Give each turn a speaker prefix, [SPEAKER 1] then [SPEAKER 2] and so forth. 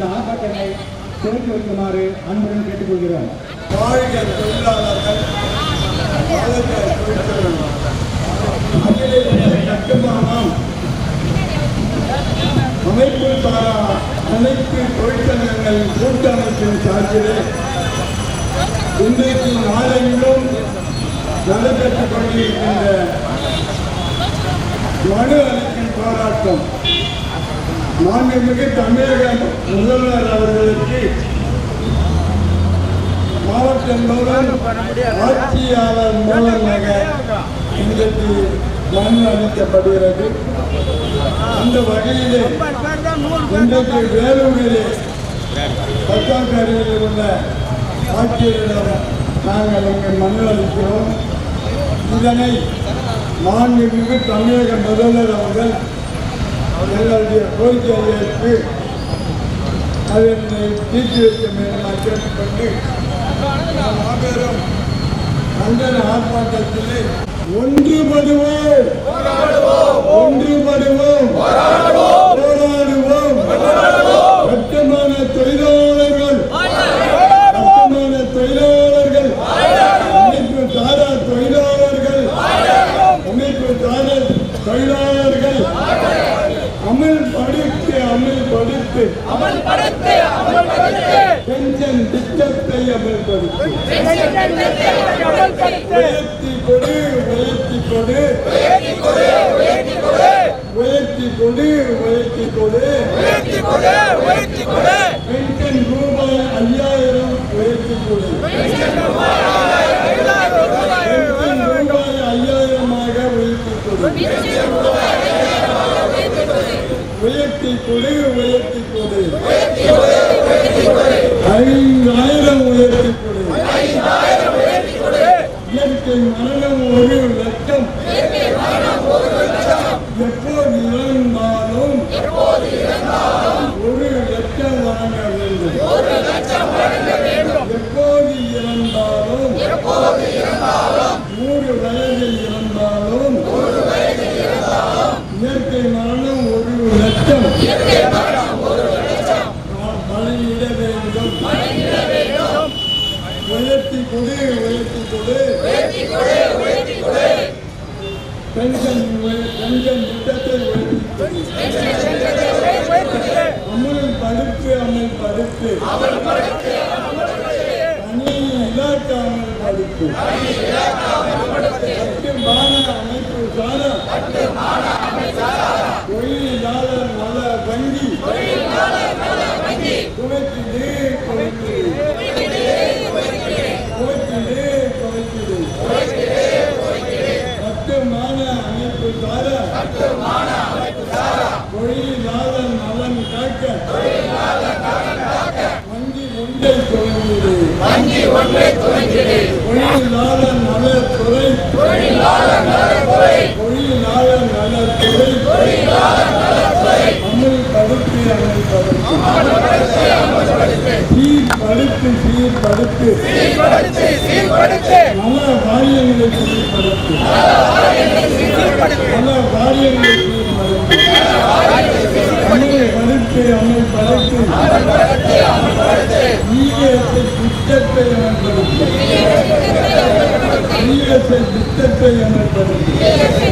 [SPEAKER 1] இந்த ஆர்ப்பாட்டத்தை துவக்கி வைக்குமாறு அன்புடன் கேட்டுக்கொள்கிறோம்.
[SPEAKER 2] வாழ்க தொழிலாளர்கள், கட்டுமானம் அமைப்பு சாரா அனைத்து தொழிற்சங்கங்களின் கூட்டமைப்பின் சார்பிலே இன்றைக்கு நாளெங்கிலும் நடைபெற்றுக் கொண்டிருக்கின்ற மனு அளிக்கும் போராட்டம் மாண்புமிகு தமிழக முதல்வர் அவர்களுக்கு மாவட்டம் மூலம் ஆட்சியாளர் மூலமாக இன்றைக்கு மனு அளிக்கப்படுகிறது. அந்த வகையிலே இன்றைக்கு வேலூரிலே பத்தாக்கரையில் உள்ள ஆட்சியரிடம் நாங்கள் இங்கே மனு அளிக்கிறோம். இதனை மாண்புமிகு தமிழக முதல்வர் அவர்கள் எங்களுடைய கோரிக்கையை ஏற்று அதனை தீர்த்து வைக்க வேண்டும் கேட்டுக்கொண்டு மாபெரும் கண்டன ஆர்ப்பாட்டத்திலே ஒன்றுபடுவோம், போராடுவோம். கட்டுமான தொழிலாளர்கள், அமைப்பு சாரா தொழிலாளர்கள், அமல்படுத்து பென்ஷன் திட்டத்தை அமல்படுத்து, உயர்த்தி கொடு பென்ஷன் ரூபாய் 5000 உயர்த்தி கொடு, பென்ஷன் ரூபாய் 5000 உயர்த்தி கொடு, 5000 உயர்த்தி கொடு, இயற்கை மரணம் 1 லட்சம், எப்போது இறந்தாலும் 1 லட்சம் வழங்க வேண்டும், எப்போது இறந்தாலும் 100 வயதில் இறந்தாலும் இயற்கை மரணம் 1 லட்சம் வழங்கிட வேண்டும். உயர்த்தி கொடு பென்ஷன் திட்டத்தை அமல்படுத்து தனி இலாக்கா அமல்படுத்து கட்டுமான அமைப்பு சாரா தொழிலாளர் நல வங்கி குறைத்திடு கட்டுமான அமைப்பு சாரா தொழிலாளர் நலன் காக்க வங்கி ஒன்றை துவங்கிடு, தொழிலாளர் நலத்துறை சீர்படுத்து நல வாரியங்களை சீர்படுத்து அமல்படுத்து ஈஎஸ்ஐ திட்டத்தை அமல்படுத்து